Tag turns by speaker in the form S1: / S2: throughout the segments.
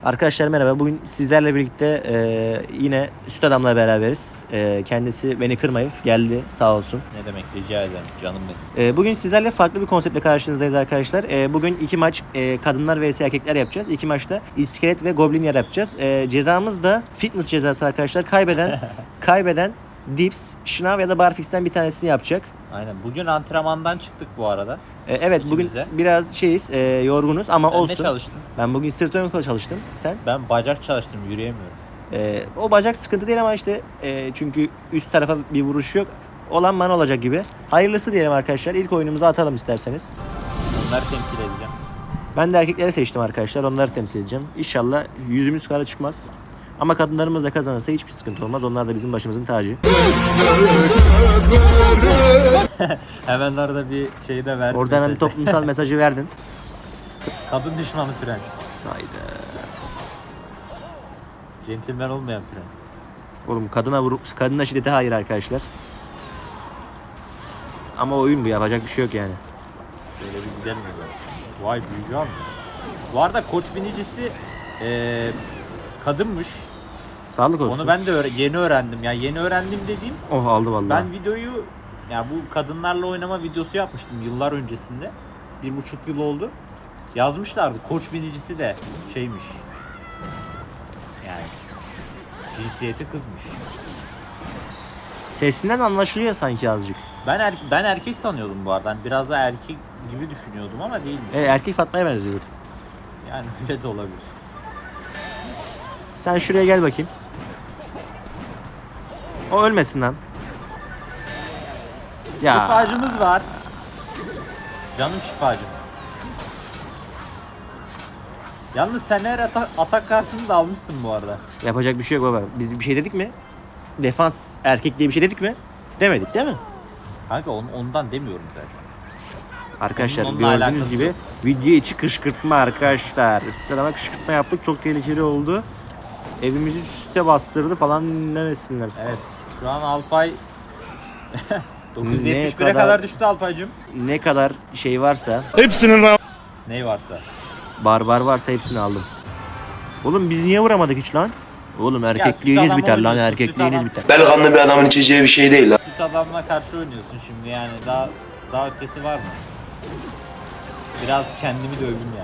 S1: Arkadaşlar merhaba. Bugün sizlerle birlikte yine Süt Adam'la beraberiz. Kendisi beni kırmayıp geldi sağ olsun.
S2: Ne demek, rica ederim canım benim.
S1: Bugün sizlerle farklı bir konseptle karşınızdayız arkadaşlar. Bugün iki maç kadınlar vs erkekler yapacağız. İki maçta iskelet ve goblin yer yapacağız. Cezamız da fitness cezası arkadaşlar. Kaybeden dips, şınav ya da barfix'ten bir tanesini yapacak.
S2: Aynen. Bugün antrenmandan çıktık bu arada.
S1: Evet bugün biraz yorgunuz ama
S2: Sen
S1: olsun.
S2: ne çalıştın?
S1: Ben bugün sırt ön kol çalıştım. Sen?
S2: Ben bacak çalıştım, yürüyemiyorum.
S1: O bacak sıkıntı değil ama işte çünkü üst tarafa bir vuruş yok. Olan bana olacak gibi. Hayırlısı diyelim arkadaşlar. İlk oyunumuzu atalım isterseniz.
S2: Onları temsil edeceğim.
S1: Ben de erkekleri seçtim arkadaşlar. Onları temsil edeceğim. İnşallah yüzümüz kara çıkmaz. Ama kadınlarımız da kazanırsa hiçbir sıkıntı olmaz. Onlar da bizim başımızın tacı.
S2: Hemen orada bir şey de verdim.
S1: Orada hemen bir toplumsal mesajı verdin.
S2: Kadın düşmanı prens.
S1: Sayda.
S2: Centilmen olmayan prens.
S1: Oğlum kadına şiddete hayır arkadaşlar. Ama oyun bu, yapacak bir şey yok yani.
S2: Böyle bir güzel mi var? Vay büyücü abi. Bu arada koç binicisi kadınmış.
S1: Sağlık olsun.
S2: Onu ben de yeni öğrendim. Yani yeni öğrendim dediğim.
S1: Oh aldı vallahi.
S2: Ben videoyu, ya bu kadınlarla oynama videosu yapmıştım yıllar öncesinde. 1,5 yıl oldu. Yazmışlardı. Koç binicisi de şeymiş. Yani cinsiyeti kızmış.
S1: Sesinden anlaşılıyor sanki azıcık.
S2: Ben erkek sanıyordum bu arada. Yani biraz da erkek gibi düşünüyordum ama değilmiş.
S1: Erkek Fatma'ya benziyor zaten.
S2: Yani öyle de olabilir.
S1: Sen şuraya gel bakayım. O ölmesin lan. Ya.
S2: Şifacımız var. Canım şifacım. Yalnız sen her atak kartını da almışsın bu arada.
S1: Yapacak bir şey yok baba. Biz bir şey dedik mi? Defans erkek diye bir şey dedik mi? Demedik değil mi?
S2: Kanka ondan demiyorum zaten.
S1: Arkadaşlar
S2: Onunla
S1: gördüğünüz
S2: alakası
S1: gibi
S2: yok.
S1: video içi kışkırtma arkadaşlar. Üstelik kışkırtma yaptık. Çok tehlikeli oldu. Evimizi süste bastırdı falan demesinler.
S2: Evet. Şu an Alpay 971'e
S1: kadar-
S2: kadar düştü Alpaycığım.
S1: Ne kadar şey varsa,
S2: Ney varsa.
S1: barbar varsa hepsini aldım. Oğlum biz niye vuramadık hiç lan? Oğlum erkekliğiniz
S2: adam
S1: biter lan,
S2: oynuyorsun,
S1: erkekliğiniz
S2: süt
S1: biter.
S3: Delikanlı bir adamın içeceği bir şey değil lan.
S2: Süt adamla karşı oynuyorsun şimdi yani. Daha ötesi var mı? Biraz kendimi dövdüm yani.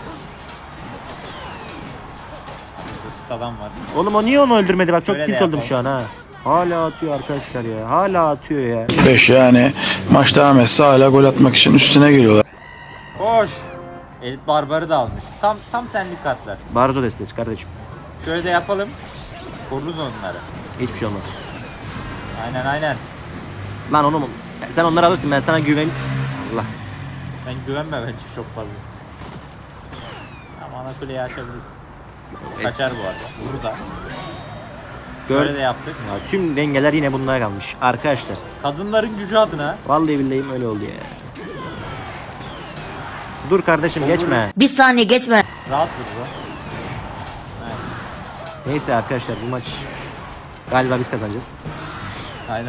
S2: Süt adam var.
S1: Oğlum o niye onu öldürmedi, bak çok
S2: Böyle de
S1: tilt oldum
S2: yapalım.
S1: şu an ha. Hala atıyor arkadaşlar ya. Hala atıyor ya.
S4: 5 yani maç devam etse hala gol atmak için üstüne geliyorlar.
S2: Koş. Elit barbarı da almış. Tam senlik kartlar.
S1: Barzo destesi kardeşim.
S2: Şöyle de yapalım. Koruruz onları.
S1: Hiçbir şey olmaz.
S2: Aynen.
S1: Lan onu sen onları alırsın, ben sana güven. Allah.
S2: Sen güvenme bence çok fazla. Ama ana kuleyi açabiliriz. Kaçar bu arada. Vuru da.
S1: Gör.
S2: Böyle de yaptık.
S1: Ya, tüm dengeler yine bunlara kalmış arkadaşlar.
S2: Kadınların gücü adına.
S1: Vallahi billahi öyle oldu ya. Dur kardeşim geçme.
S5: Bir saniye geçme.
S2: Rahat vurdu.
S1: Neyse arkadaşlar bu maç galiba biz kazanacağız.
S2: Aynen.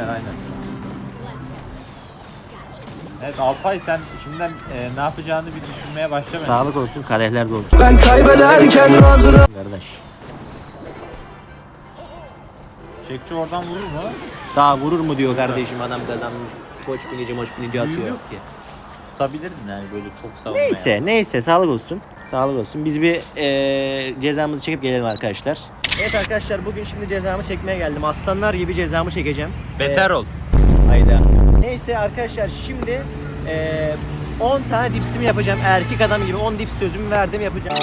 S2: Evet Alpay, sen şimdiden ne yapacağını bir düşünmeye başla bence.
S1: Sağlık olsun, kadehler de olsun.
S3: Ben kaybederken hazırım.
S1: Kardeş.
S2: Çekçi oradan vurur mu?
S1: Daha vurur mu diyor kardeşim, adam kazanmış. Koç binici atıyor.
S2: Yok ki. Tutabilirdin yani böyle çok savunmaya.
S1: Neyse sağlık olsun. Sağlık olsun. Biz bir cezamızı çekip gelelim arkadaşlar. Evet arkadaşlar, bugün şimdi cezamı çekmeye geldim. Aslanlar gibi cezamı çekeceğim.
S2: Beter ol.
S1: Hayda. Neyse arkadaşlar, şimdi 10 tane dipsimi yapacağım. Erkek adam gibi 10 dips sözümü verdim, yapacağım.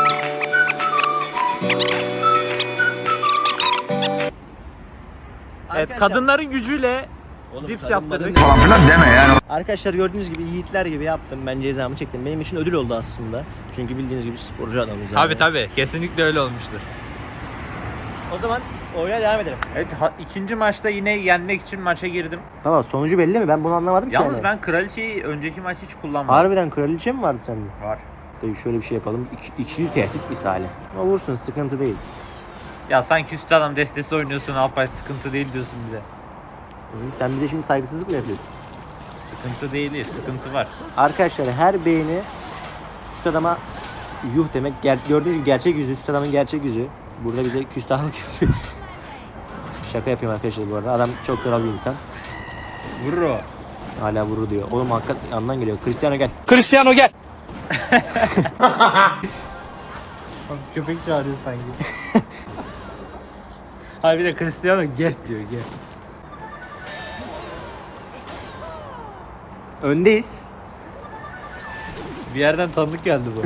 S2: Evet, kadınların gücüyle dips yaptırdık.
S1: Arkadaşlar gördüğünüz gibi yiğitler gibi yaptım. Ben cezamı çektim. Benim için ödül oldu aslında. Çünkü bildiğiniz gibi sporcu adamız. Yani.
S2: Tabii kesinlikle öyle olmuştur.
S1: O zaman oyuna devam edelim.
S2: Evet, ikinci maçta yine yenmek için maça girdim.
S1: Baba sonucu belli mi? Ben bunu anlamadım ki.
S2: Yalnız
S1: yani.
S2: ben kraliçeyi önceki maç hiç kullanmadım.
S1: Harbiden kraliçe mi vardı sende?
S2: Var.
S1: Dayı şöyle bir şey yapalım. İkili tehdit misali. Ama vursun, sıkıntı değil.
S2: Ya sanki üst adam destesi oynuyorsun Alpay, sıkıntı değil diyorsun bize.
S1: Sen bize şimdi saygısızlık mı yapıyorsun?
S2: Sıkıntı değil, sıkıntı var.
S1: Arkadaşlar her beğeni Süt Adam'a Yuh demek gördüğünüz gibi gerçek yüzü. Üst adamın gerçek yüzü. Burada bize küstahlık yapıyor. Şaka yapıyorum arkadaşlar bu arada. Adam çok kral bir insan.
S2: Vurur o.
S1: Hala vurur diyor. Oğlum hakikat yandan geliyor. Cristiano gel.
S4: Cristiano gel.
S2: Köpek çağırıyor sanki. Hayır bir de Cristiano gel diyor gel.
S1: Öndeyiz.
S2: Bir yerden tanıdık geldi bu.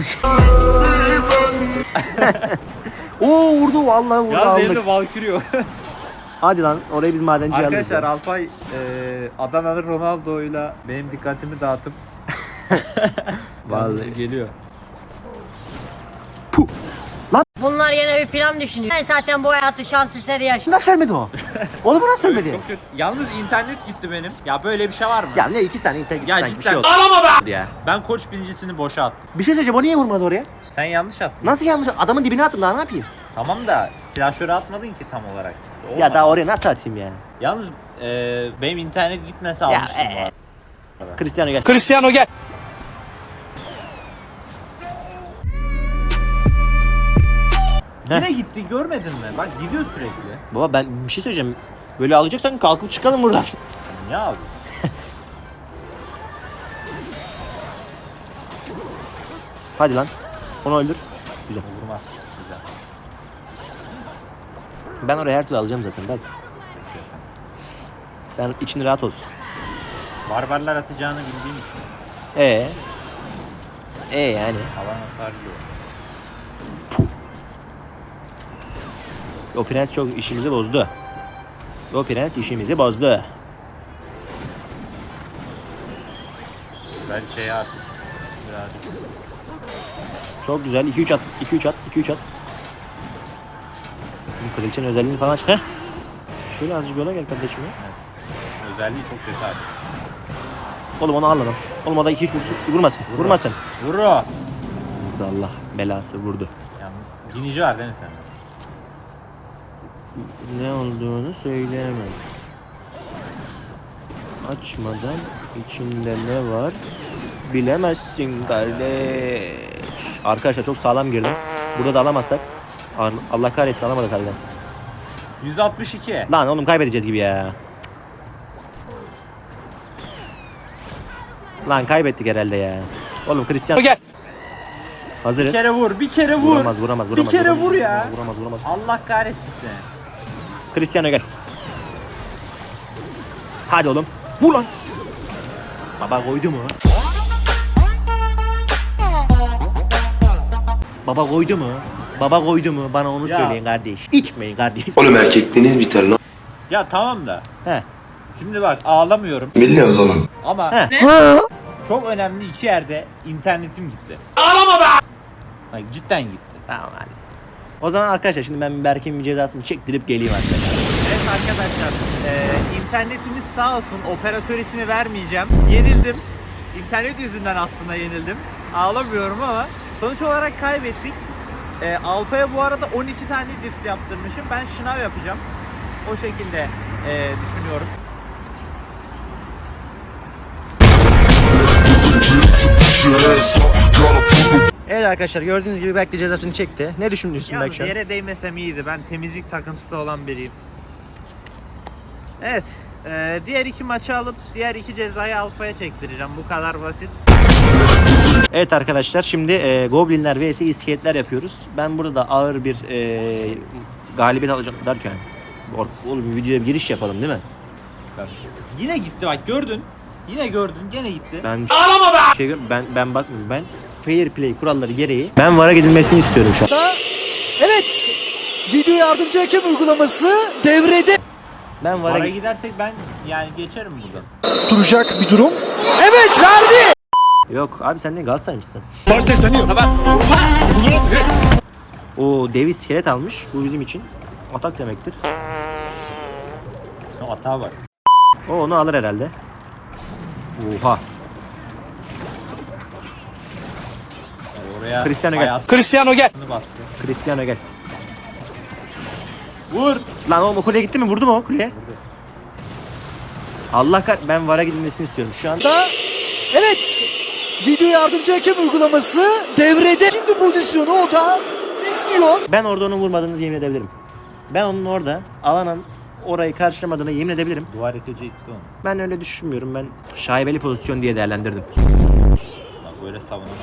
S1: Oo vurdu vallahi vurdu
S2: ya
S1: aldık.
S2: senin de Valkyrio.
S1: Hadi lan orayı biz madenciye alırız.
S2: Arkadaşlar
S1: ya.
S2: Alpay Adana'lı Ronaldo'yla benim dikkatimi dağıtıp
S1: Vallahi.
S2: geliyor.
S5: Bunlar yine bir plan düşünüyor. Ben zaten bu hayatı şans eseri yaşıyorum.
S1: Nasıl ölmedi o? Oğlum bu nasıl ölmedi?
S2: Çok kötü. Yalnız internet gitti benim. Ya böyle bir şey var mı?
S1: Ya ne 2 saniye internet
S2: Ya
S1: sanki bir
S2: cidden.
S1: şey oldu.
S2: Ya. Ben koç birincisini boşa attım.
S1: Bir şey söyleyeceğim o niye vurmadı oraya?
S2: Sen yanlış attın.
S1: Nasıl yanlış? Adamın dibine attım daha ne yapayım?
S2: Tamam da silahşöre atmadın ki tam olarak.
S1: Ya
S2: Olmadı.
S1: daha oraya nasıl atayım ya?
S2: Yalnız benim internet gitmese
S1: Ya,
S2: almıştım bu arada.
S1: Cristiano gel.
S4: Cristiano gel.
S2: Yine gitti görmedin mi? Bak gidiyor sürekli.
S1: Baba ben bir şey söyleyeceğim. Böyle alacaksan kalkıp çıkalım buradan.
S2: Ne abi?
S1: Hadi lan. Onu öldür. Güzel.
S2: Vurmaz. Güzel.
S1: Ben oraya her türlü alacağım zaten bak. Sen için rahat olsun.
S2: Barbarlar atacağını bildiğim için
S1: Yani.
S2: alan atarlıyor.
S1: O prens çok işimizi bozdu. O prens işimizi bozdu.
S2: Ben şey artık birazcık.
S1: Çok güzel. 2-3 at. 2-3 at. 2-3 at. Bu kraliçenin özelliğini falan aç. Heh. Şöyle azıcık yola gel kardeşim ya.
S2: Özelliği çok kötü abi.
S1: Oğlum onu al lan. Oğlum o da 2-3 vursun. Vurmasın. Vurmasın.
S2: Vur o.
S1: Vurdu Allah belası vurdu.
S2: Yalnız binici var değil mi sende?
S1: Ne olduğunu söyleyemem. Açmadan içinde ne var bilemezsin kardeş. Arkadaşlar çok sağlam girdim. Burada da alamazsak Allah kahretsin alamadık harbiden.
S2: 162.
S1: Lan oğlum kaybedeceğiz gibi ya. Lan kaybettik herhalde ya. Oğlum Cristiano
S4: Gel.
S1: hazırız.
S2: Bir kere vur, bir kere vur.
S1: Vuramaz.
S2: Bir kere vur ya.
S1: Vuramaz.
S2: Allah kahretsin seni.
S1: Cristiano gel. Hadi oğlum. Vur lan. Baba koydu mu? Baba koydu mu? Baba koydu mu? Bana onu
S2: Ya.
S1: söyleyin kardeş. İçmeyin kardeş.
S3: Oğlum erkekliğiniz biter lan.
S2: Ya tamam da.
S1: He.
S2: Şimdi bak ağlamıyorum
S3: Biliyoruz oğlum.
S2: ama
S1: He.
S2: çok önemli iki yerde internetim gitti. Ağlama be! Bak cidden gitti.
S1: Tamam hadi. O zaman arkadaşlar şimdi ben Berk'in bir cezasını çektirip geleyim arkadaşlar.
S2: Evet arkadaşlar, internetimiz sağ olsun, operatör ismi vermeyeceğim. Yenildim. İnternet yüzünden aslında yenildim. Ağlamıyorum ama sonuç olarak kaybettik. Alpa'ya bu arada 12 tane dips yaptırmışım. Ben şınav yapacağım. O şekilde düşünüyorum.
S1: Evet arkadaşlar gördüğünüz gibi Berk de cezasını çekti. Ne düşünüyorsun Berk
S2: Yalnız
S1: şu an?
S2: yere değmesem iyiydi. Ben temizlik takıntısı olan biriyim. Evet. Diğer iki maçı alıp diğer iki cezayı Alpa'ya çektireceğim. Bu kadar basit.
S1: Evet arkadaşlar şimdi Goblinler vs iskeletler yapıyoruz. Ben burada da ağır bir galibiyet alacağım derken. Oğlum videoya bir giriş yapalım değil mi?
S2: Yine gitti bak gördün. Yine gördün gene gitti.
S1: Ben ben bakmıyorum. Ben fair play kuralları gereği ben VAR'a gidilmesini istiyorum şu an.
S6: Evet, video yardımcı hakem uygulaması devrede.
S1: Ben
S2: Para
S1: VAR'a
S2: gidersek ben yani geçerim buradan.
S6: Duracak bir durum. Evet, verdi.
S1: Yok abi sen de Galatasaraylısın.
S4: Başta seni
S1: O dev iskelet almış. Bu bizim için atak demektir.
S2: Hata var.
S1: O onu alır herhalde. Oha.
S2: Yani oraya
S1: Cristiano gel.
S2: hayatını
S4: Cristiano gel.
S2: bastı.
S1: Cristiano gel.
S2: Vur.
S1: Lan oğlum o kuleye gitti mi? Vurdu mu o kuleye? Ben VAR'a gidilmesini istiyorum şu an.
S6: Evet, Video yardımcı hakem uygulaması devrede. Şimdi pozisyonu o da izliyor.
S1: Ben orada onu vurmadığını yemin edebilirim. Ben onun orada alanın orayı karşılamadığına yemin edebilirim.
S2: Duvar yıkıcı itti onu.
S1: Ben öyle düşünmüyorum. Ben şaibeli pozisyon diye değerlendirdim.
S2: Bak böyle savunamaz.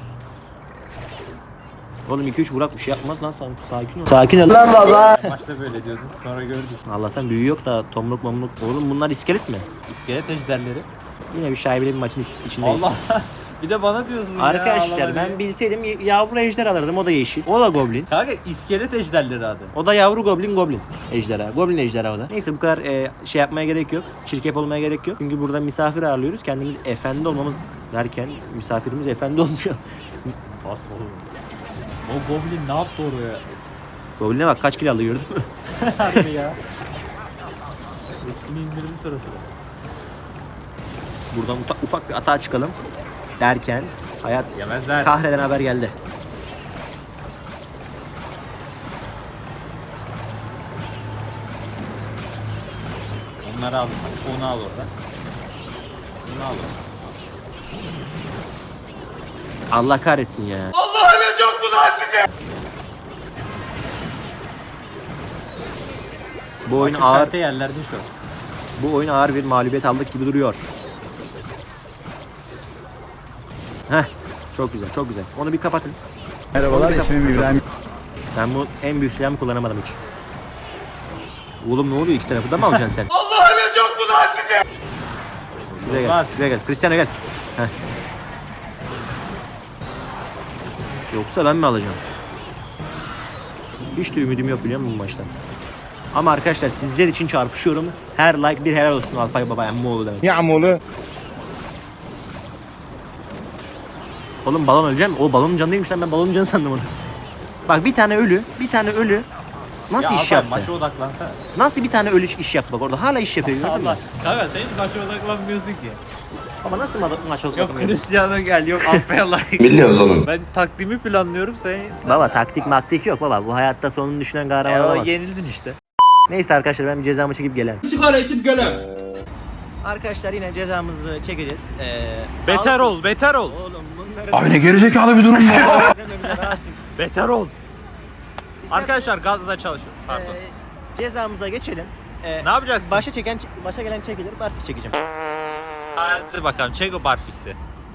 S1: Oğlum 2-3 Burak bir şey yapmaz lan, sakin ol. Sakin ol lan.
S2: Başta böyle diyordun, sonra gördük.
S1: Allah'tan büyü yok da tomruk mamruk. Oğlum bunlar iskelet mi?
S2: İskelet ejderleri.
S1: Yine bir şaibeli bir maçın içindeyiz.
S2: Allah. Bir de bana diyorsun ya.
S1: Arkadaşlar
S2: Allah
S1: ben
S2: diye.
S1: bilseydim yavru ejder alırdım, o da yeşil. O da goblin.
S2: Kanka iskelet ejderleri adı.
S1: O da yavru goblin ejderha. Goblin ejderha o da. Neyse bu kadar şey yapmaya gerek yok. Çirkef olmaya gerek yok. Çünkü burada misafir ağırlıyoruz. Kendimiz efendi olmamız derken misafirimiz efendi olmuyor.
S2: Basma oğlum. O goblin ne yaptı oraya?
S1: Goblin'e bak kaç kilo aldı gördün mü?
S2: Harbi ya. Hepsini indirdi sırasıyla.
S1: Buradan ufak bir atağa çıkalım derken hayat
S2: Yemezler.
S1: kahreden haber geldi.
S2: Onları al. Onu al orada. Onu al orada.
S1: Allah kahretsin ya. Bu oyun
S2: Açık
S1: ağır,
S2: karte yerlerde şu an.
S1: bu oyun ağır bir mağlubiyet aldık gibi duruyor. Heh, çok güzel, çok güzel. Onu bir kapatın.
S4: Merhabalar, ismim İbrahim.
S1: Ben bu en büyük silahımı kullanamadım hiç. Oğlum ne oluyor, iki tarafı da mı alacaksın sen? Allah ölecek bu lan size! Şuraya gel,
S2: Olmaz.
S1: şuraya gel. Cristiano gel. Heh. Yoksa ben mi alacağım? Hiç de ümidim yok biliyor musun bu maçtan? Ama arkadaşlar sizler için çarpışıyorum. Her like bir helal olsun Alpay Baba Emmoğlu demek.
S4: Yağmurlu.
S1: Oğlum balon öleceğim. O balonun canı değilmiş lan, ben balonun canı sandım onu. Bak bir tane ölü nasıl
S2: Ya
S1: iş
S2: Alpay,
S1: yaptı?
S2: maça odaklansana.
S1: Nasıl bir tane ölü iş yaptı bak orada hala iş yapıyor gördün mü?
S2: Allah. Kanka sen hiç maça odaklanmıyorsun ki.
S1: Ama nasıl maç oldu?
S2: Yok Cristiano gel, yok Alpay'a like.
S3: Biliyoruz oğlum.
S2: Ben taktiğimi planlıyorum, sen...
S1: Baba taktik maktik yok baba. Bu hayatta sonunu düşünen kahraman
S2: o
S1: olamaz.
S2: yenildin işte.
S1: Neyse arkadaşlar ben bir cezamı çekip gelen.
S7: Sigara içip gelen.
S1: Arkadaşlar yine cezamızı çekeceğiz.
S2: Beter ol, beter ol.
S1: Oğlum bunları...
S4: Abi ne gerizekalı bir durum bu.
S2: Beter ol.
S1: İsterseniz,
S2: Arkadaşlar gazla çalışın. Pardon.
S1: Cezamıza geçelim.
S2: Ne yapacaksın?
S1: Başa gelen çekilir. Barfiks çekeceğim.
S2: Hadi bakalım, çek o barfiksi.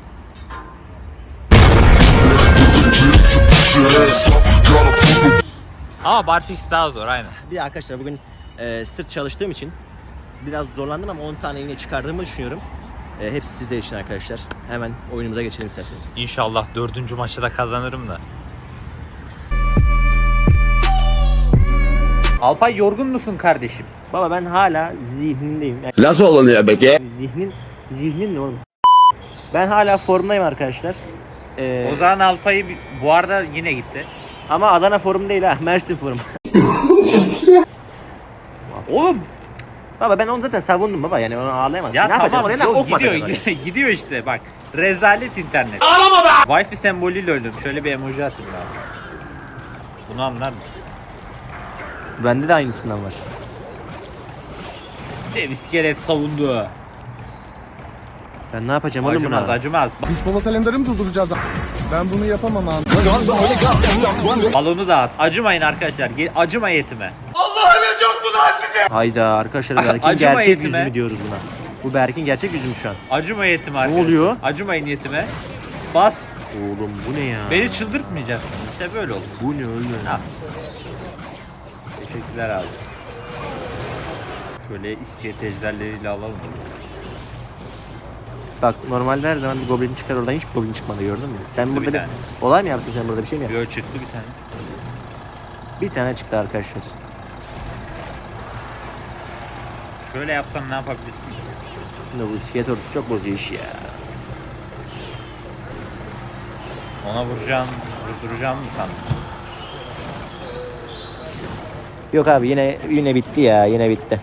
S2: Ama barfiks daha zor aynen.
S1: Bir arkadaşlar bugün sırt çalıştığım için biraz zorlandım ama 10 tane yine çıkardığımı düşünüyorum. Hepsi sizler için arkadaşlar. Hemen oyunumuza geçelim isterseniz.
S2: İnşallah 4. maçta da kazanırım da. Alpay yorgun musun kardeşim?
S1: Baba ben hala zihnindeyim. Yani
S3: Nasıl olunuyor peki?
S1: zihnin ne oğlum? Ben hala formdayım arkadaşlar.
S2: O zaman Alpay'ı bu arada yine gitti.
S1: Ama Adana forum değil ha, Mersin forum.
S2: Oğlum
S1: Baba ben onu zaten savundum baba, yani onu ağlayamazsın.
S2: ya
S1: Ne yapacağım
S2: tamam
S1: oraya, ne
S2: yok,
S1: ok mu
S2: gidiyor
S1: atacağım oraya?
S2: gidiyor işte bak. Rezalet internet. Ağlama be! Wi-Fi sembolüyle öldüm. Şöyle bir emoji atayım abi. Bunu anlar mısın?
S1: Bende de aynısından var.
S2: Dev iskelet savundu.
S1: Ben ne yapacağım oğlum
S2: Acımaz
S1: buna?
S2: acımaz.
S4: Biz Polat Alemdar'ı mı durduracağız? Ben bunu yapamam abi.
S2: Balonu dağıt. Acımayın arkadaşlar. Acıma yetime.
S1: Hayda arkadaşlar, Berk'in
S2: Acıma
S1: gerçek
S2: yetime.
S1: yüzü mü diyoruz buna? Bu Berk'in gerçek yüzü mü şu an?
S2: Acıma yetime arkadaşlar.
S1: oluyor?
S2: Acımayın yetime. Bas.
S1: Oğlum bu ne ya?
S2: Beni çıldırtmayacaksın. İşte böyle olur.
S1: Bu ne oğlum?
S2: Ha. Teşekkürler abi. Şöyle iskelet ejderleriyle alalım.
S1: Bak normalde her zaman bir goblin çıkar, oradan hiç goblin çıkmadı gördün mü? Sen
S2: Bir
S1: burada bir
S2: tane.
S1: olay mı yaptın, sen burada bir şey mi yaptın?
S2: Yo çıktı bir tane.
S1: Bir tane çıktı arkadaşlar.
S2: Şöyle yapsam ne yapabilirsin?
S1: Şimdi bu iskelet ordusu çok bozuyor işi ya.
S2: Ona vurduracağım mı sandın?
S1: Yok abi yine bitti ya, yine bitti.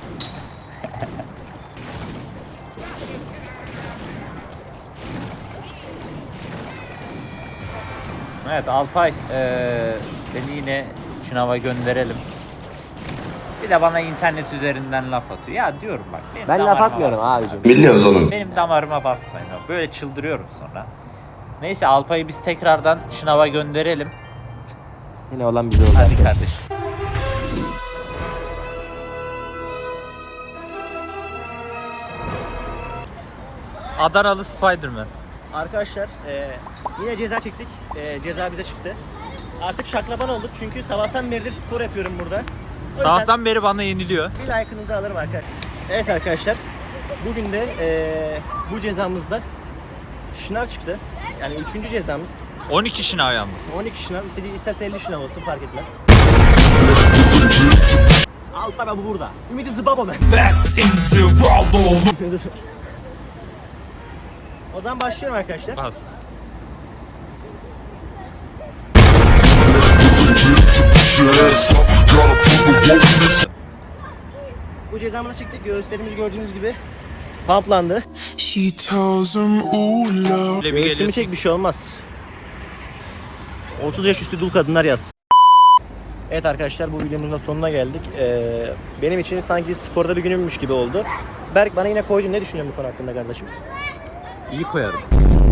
S2: Evet Alpay, seni yine sınava gönderelim. Bir de bana internet üzerinden laf atıyor. Ya diyorum bak. Benim
S1: Ben laf
S2: damarıma
S1: atmıyorum
S2: basmayın.
S1: abicim.
S3: Biliyoruz oğlum.
S2: Benim damarıma basmayın. Böyle çıldırıyorum sonra. Neyse Alpay'ı biz tekrardan sınava gönderelim.
S1: Yine olan bize oldu
S2: Hadi
S1: arkadaşlar.
S2: kardeş. Adanalı Spider-Man.
S1: Arkadaşlar yine ceza çektik. Ceza bize çıktı. Artık şaklaban olduk çünkü sabahtan beridir spor yapıyorum burada. O yüzden
S2: Sabahtan beri bana yeniliyor.
S1: bir like'ınızı alırım arkadaşlar. Evet arkadaşlar. Bugün de bu cezamızda şınav çıktı. Yani 3. cezamız.
S2: 12 şınav yalnız.
S1: 12 şınav. İsterse 50 şınav olsun fark etmez. Alpay abi burada. Ümidi Zıbabo ben. O zaman başlıyorum arkadaşlar.
S2: Bas.
S1: Bu cezamızı çıktık. Göğüslerimiz gördüğünüz gibi pamplandı.
S4: She tells him, ooh, love.
S2: Böyle bir
S1: Göğsümü
S2: geliyorsun.
S1: çek bir şey olmaz. 30 yaş üstü dul kadınlar yaz. Evet arkadaşlar bu videomuzun da sonuna geldik. Benim için sanki sporda bir günümmüş gibi oldu. Berk bana yine koydun. Ne düşünüyorsun bu konu hakkında kardeşim?
S2: İyi koyarım.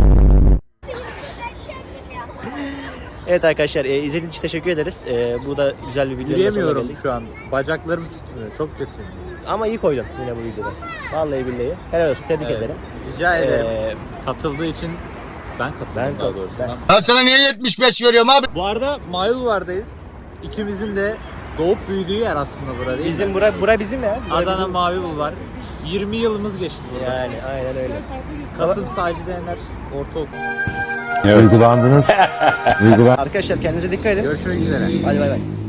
S1: Evet arkadaşlar izlediğiniz için teşekkür ederiz. Bu da güzel bir video.
S2: Yürüyemiyorum şu an. Bacaklarım tutmuyor. Çok kötü.
S1: Ama iyi koydun yine bu videoda. Vallahi billahi. Helal olsun. Tebrik ederim.
S2: Rica ederim.
S1: Ee,
S2: Katıldığı için ben katıldım
S1: Ben
S2: daha
S1: katıldım.
S2: doğrusu.
S1: Ben-
S3: Ben sana niye 75 veriyorum abi?
S2: Bu arada Mayulvar'dayız. İkimizin de doğup büyüdüğü yer aslında bura değil
S1: bizim
S2: mi?
S1: bura bizim ya. Bura
S2: Adana
S1: bizim.
S2: Mavi Bulvar. 20 yılımız geçti burada.
S1: Yani aynen öyle.
S2: Kasım Sacide Ener Ortaokul.
S7: Duygulandınız.
S1: Arkadaşlar kendinize dikkat edin.
S2: Görüşmek üzere.
S1: Hadi bay bay.